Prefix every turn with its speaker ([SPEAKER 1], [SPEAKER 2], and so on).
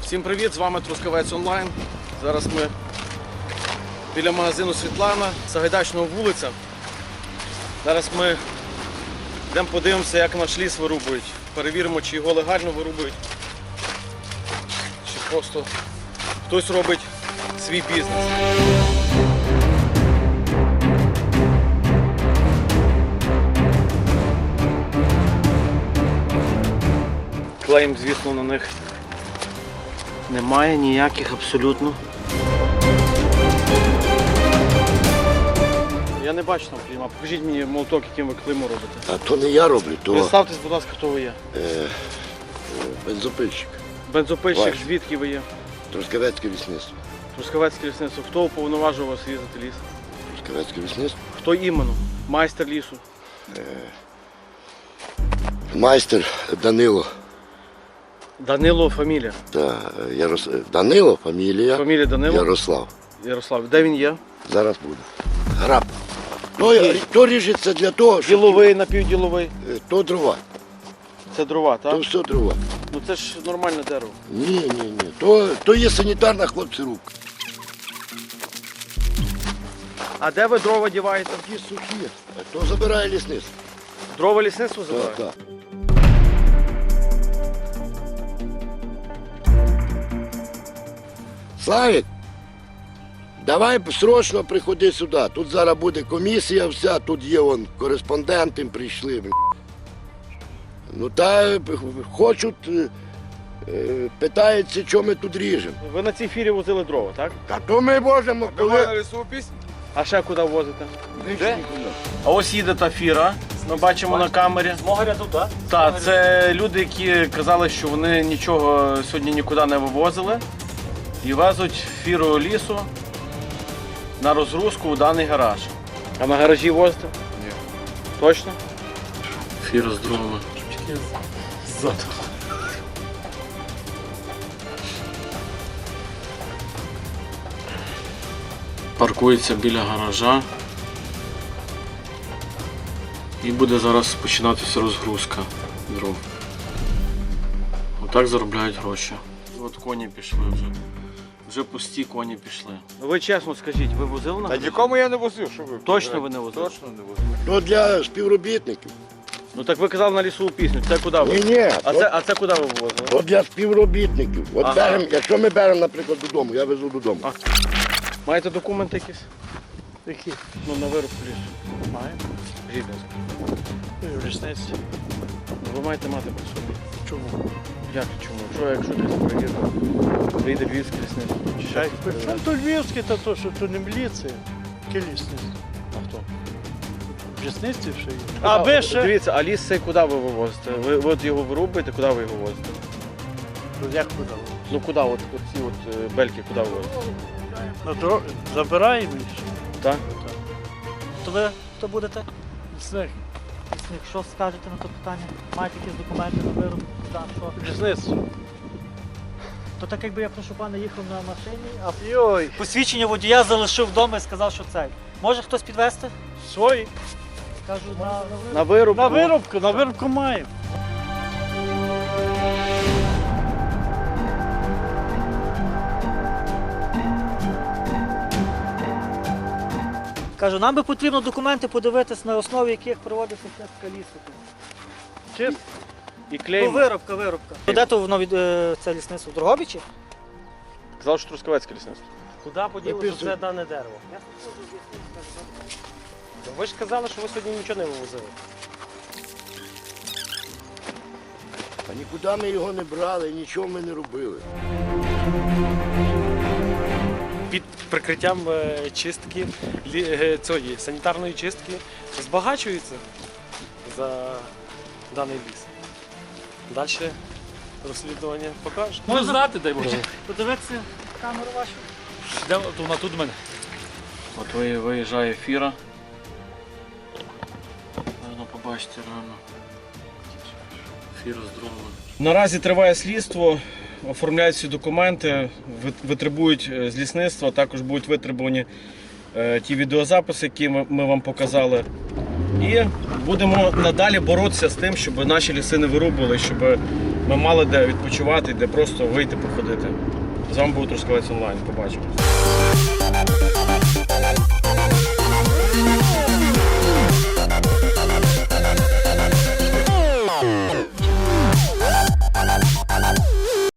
[SPEAKER 1] Всім привіт, з вами Трускавець Онлайн. Зараз ми біля магазину Світлана, Сагайдачного вулиця. Зараз ми йдемо подивимося, як наш ліс вирубують. Перевіримо, чи його легально вирубують, чи просто хтось робить свій бізнес. Клеїм, звісно, на них немає ніяких абсолютно. Я не бачу там клейма. Покажіть мені молоток, яким ви клеймо робите.
[SPEAKER 2] А то не я роблю, то
[SPEAKER 1] Представтесь, будь ласка, хто ви є.
[SPEAKER 2] бензопильщик.
[SPEAKER 1] Бензопильщик,
[SPEAKER 2] Ваш.
[SPEAKER 1] звідки ви є?
[SPEAKER 2] Трускавецьке лісництво.
[SPEAKER 1] Трускавецьке лісництво. Хто уповноважив вас різати ліс?
[SPEAKER 2] Трускавецьке лісництво.
[SPEAKER 1] Хто іменно? Майстер лісу.
[SPEAKER 2] Майстер Данило.
[SPEAKER 1] Данило фамілія.
[SPEAKER 2] Данило, фамілія.
[SPEAKER 1] Фамілія Данило.
[SPEAKER 2] Ярослав.
[SPEAKER 1] Ярослав. Де він є?
[SPEAKER 2] Зараз буде. Граб. То ріжеться для того, щоб...
[SPEAKER 1] Діловий, напівділовий.
[SPEAKER 2] То дрова.
[SPEAKER 1] Це дрова,
[SPEAKER 2] То
[SPEAKER 1] так?
[SPEAKER 2] все дрова.
[SPEAKER 1] Ну це ж нормальне дерево.
[SPEAKER 2] Ні. То є санітарна, хлопці, рубка.
[SPEAKER 1] А де ви дрова діваєте?
[SPEAKER 2] Ті сухі. То забирає лісництво.
[SPEAKER 1] Дрова лісництво забирає?
[SPEAKER 2] Так. Славік, давай срочно приходи сюди. Тут зараз буде комісія вся, тут є кореспонденти прийшли. Ну та хочуть, питаються, що ми тут ріжемо.
[SPEAKER 1] Ви на цій фірі возили дрова, так?
[SPEAKER 2] Та то ми можемо, коли...
[SPEAKER 1] А ще куди возите?
[SPEAKER 2] Де?
[SPEAKER 1] А ось їде та фіра, ми бачимо на камері.
[SPEAKER 3] З мого ряду, так?
[SPEAKER 1] Так, це люди, які казали, що вони нічого сьогодні нікуди не вивозили і везуть фіру лісу на розгрузку у даний гараж. А на гаражі возите? Ні. Точно? Фіра з дровами. Ззаду. Паркується біля гаража. І буде зараз починатися розгрузка дров. Отак заробляють гроші. От коні пішли вже. Вже пусті коні пішли. Ви чесно скажіть, ви возили на
[SPEAKER 3] Та
[SPEAKER 1] гаражі?
[SPEAKER 3] нікому я не возив, що ви?
[SPEAKER 1] Точно ви не возили?
[SPEAKER 3] Точно не возив.
[SPEAKER 2] То для співробітників.
[SPEAKER 1] Ну так ви казали на лісову пісню. Це куди ви?
[SPEAKER 2] Ні,
[SPEAKER 1] А це куди ви вивозили?
[SPEAKER 2] то для співробітників. От
[SPEAKER 1] Ага.
[SPEAKER 2] беремо, якщо ми беремо, наприклад, додому, я везу додому.
[SPEAKER 1] Маєте документи якісь?
[SPEAKER 3] Які?
[SPEAKER 1] Ну на вирубку лісу.
[SPEAKER 3] Маємо.
[SPEAKER 1] Скажіть, будь ласка.
[SPEAKER 3] В лісниці.
[SPEAKER 1] Ну, ви маєте мати при собі.
[SPEAKER 3] Чому?
[SPEAKER 1] Як чому? Що якщо десь перевірка? Прийде львівське лісництво? Чи ще хтось
[SPEAKER 3] Причому
[SPEAKER 1] перевірить?
[SPEAKER 3] то львівське, то то, що то не міліція. Яке лісництво?
[SPEAKER 1] А хто?
[SPEAKER 3] В лісниці ще є.
[SPEAKER 1] А ще... Дивіться, а ліс цей куди ви вивозите? Ви от його вирубуєте, куди ви його возите?
[SPEAKER 3] Ну, як куди?
[SPEAKER 1] Ну куди, от ці бельки, куди ви возите?
[SPEAKER 3] На дорогу забираємо їх.
[SPEAKER 1] Так?
[SPEAKER 4] То ви хто будете?
[SPEAKER 3] Лісник.
[SPEAKER 4] Якщо скажете на це питання, маєте якісь документи на вироб, так, що?
[SPEAKER 3] Лісництво.
[SPEAKER 4] То так якби я прошу пана їхав на машині, а
[SPEAKER 3] Йой.
[SPEAKER 4] посвідчення водія залишив вдома і сказав, що цей. Може хтось підвезти?
[SPEAKER 3] Свої.
[SPEAKER 4] Кажу,
[SPEAKER 1] На вирубку.
[SPEAKER 3] На вирубку маємо.
[SPEAKER 4] Кажу, нам би потрібно документи подивитись, на основі яких проводиться чистка лісу.
[SPEAKER 3] Чисто.
[SPEAKER 1] І
[SPEAKER 4] Ну,
[SPEAKER 1] клейм.
[SPEAKER 4] виробка. Де то воно від це лісництво? В Дрогобичі?
[SPEAKER 1] Казав, що Трускавецьке лісництво.
[SPEAKER 5] Куди поділося це дане дерево? Ви ж казали, що ви сьогодні нічого не вивозили.
[SPEAKER 2] А нікуди ми його не брали, нічого ми не робили.
[SPEAKER 5] Під прикриттям чистки, цієї санітарної чистки збагачуються за даний ліс. Далі розслідування покаже.
[SPEAKER 4] Можна
[SPEAKER 5] знати, дай Боже.
[SPEAKER 4] подивитися камеру вашу?
[SPEAKER 5] Вона тут в мене.
[SPEAKER 1] От виїжджає фіра. Можна побачити реально. Фіра з дровами. Наразі триває слідство, оформляють всі документи, витребують з лісництва, також будуть витребувані ті відеозаписи, які ми вам показали. І будемо надалі боротися з тим, щоб наші ліси не вирубували, щоб ми мали де відпочивати, де просто вийти походити. З вами був Трускавець онлайн. Побачимось.